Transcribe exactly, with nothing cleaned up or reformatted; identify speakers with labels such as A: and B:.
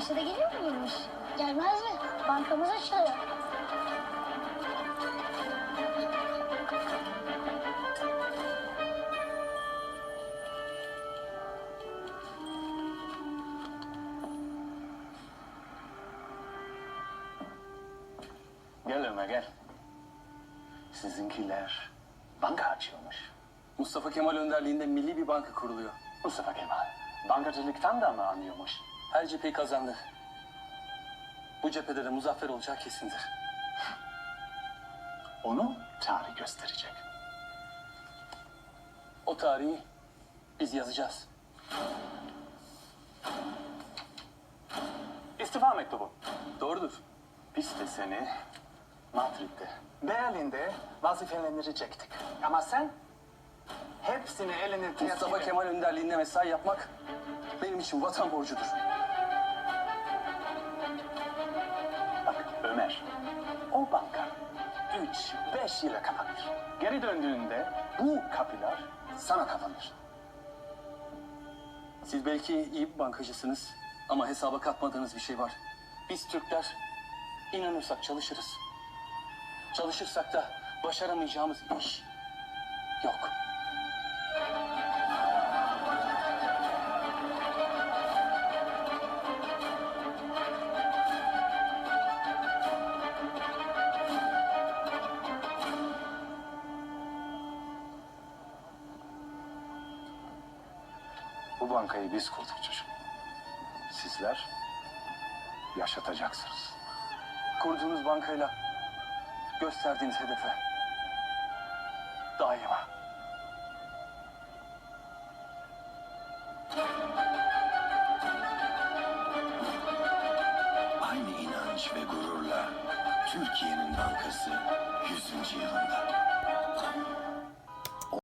A: Maaşı da geliyor muymuş? Gelmez mi? Bankamız açılıyor.
B: Gel Ömer gel. Sizinkiler banka açıyormuş.
C: Mustafa Kemal önderliğinde milli bir banka kuruluyor.
B: Mustafa Kemal bankacılıktan da mı anlıyormuş?
C: Her cepheyi kazandı. Bu cephede de muzaffer olacağı kesindir.
B: Onu tarih gösterecek.
C: O tarihi biz yazacağız.
B: İstifa mektubu.
C: Doğrudur.
B: Biz de seni Madrid'de, Berlin'de vazifelendirecektik. Ama sen hepsini eline
C: Mustafa Kemal önderliğinde mesai yapmak benim için vatan borcudur.
B: Bak Ömer, o banka üç, beş yıla kapanır. Geri döndüğünde bu kapılar sana kapanır.
C: Siz belki iyi bir bankacısınız ama hesaba katmadığınız bir şey var. Biz Türkler inanırsak çalışırız. Çalışırsak da başaramayacağımız iş yok.
B: Bu bankayı biz kurduk çocuk. Sizler yaşatacaksınız.
C: Kurduğunuz bankayla gösterdiğiniz hedefe daima.
D: Aynı inanç ve gururla Türkiye'nin bankası